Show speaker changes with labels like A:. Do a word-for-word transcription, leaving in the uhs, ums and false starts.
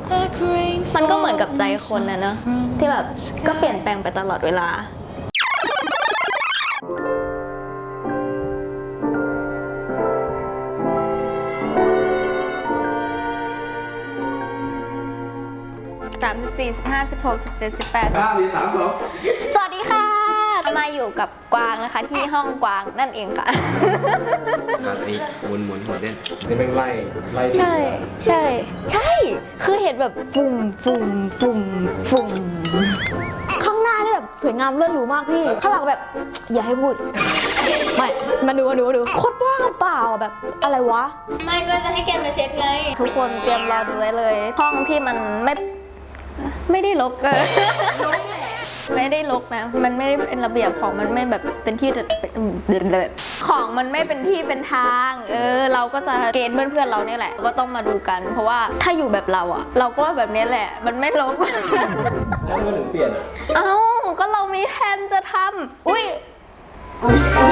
A: มันก็เหมือนกับใจคนนะเนอะที่แบบก็เปลี่ยนแปลงไปตลอดเวลาสามสิบสี่สิบห้าสิบหกสิบเจ็ดสิบแปด
B: เก้าสี่สามสอง
A: สวัสดีค่ะมาอยู่กับกวางนะคะที่ห้องกวางนั่นเองค่ะ
B: ครับนี่หมุนหมุนหัวเด่นนี่เป็นไล่ไล่
A: ใช่ใช่ใช่คือเห็นแบบฝุ่มฝุ่มฝุ่มฝุ่ม
C: ข้างหน้านี่แบบสวยงามเลิศหรูมากพี่ ข้างหลังแบบอย่าให้พูดไม่มาดูมาดูมาดูโคตรว่างเปล่าแบบอะไรวะ
A: ไม่ก็จะให้แกมาเช็ดไง ทุกคนเตรียมรอดูไว้เลย ห้องที่มันไม่ไม่ได้รกเลย ไม่ได้รกนะ มันไม่ได้เป็นระเบียบของมันไม่แบบเป็นที่เดินเลยของมันไม่เป็นที่เป็นทาง เออ เราก็จะเกณฑ์เพื่อนๆเราเนี่ยแหละก็ต้องมาดูกัน เพราะว่าถ้าอยู่แบบเราอะเราก็แบบนี้แหละ มันไม่รก
B: แล้วเมื่อถึงเปลี่ยน
A: เอ้าก็เรามีแผนจะทำอุ้ย
B: มี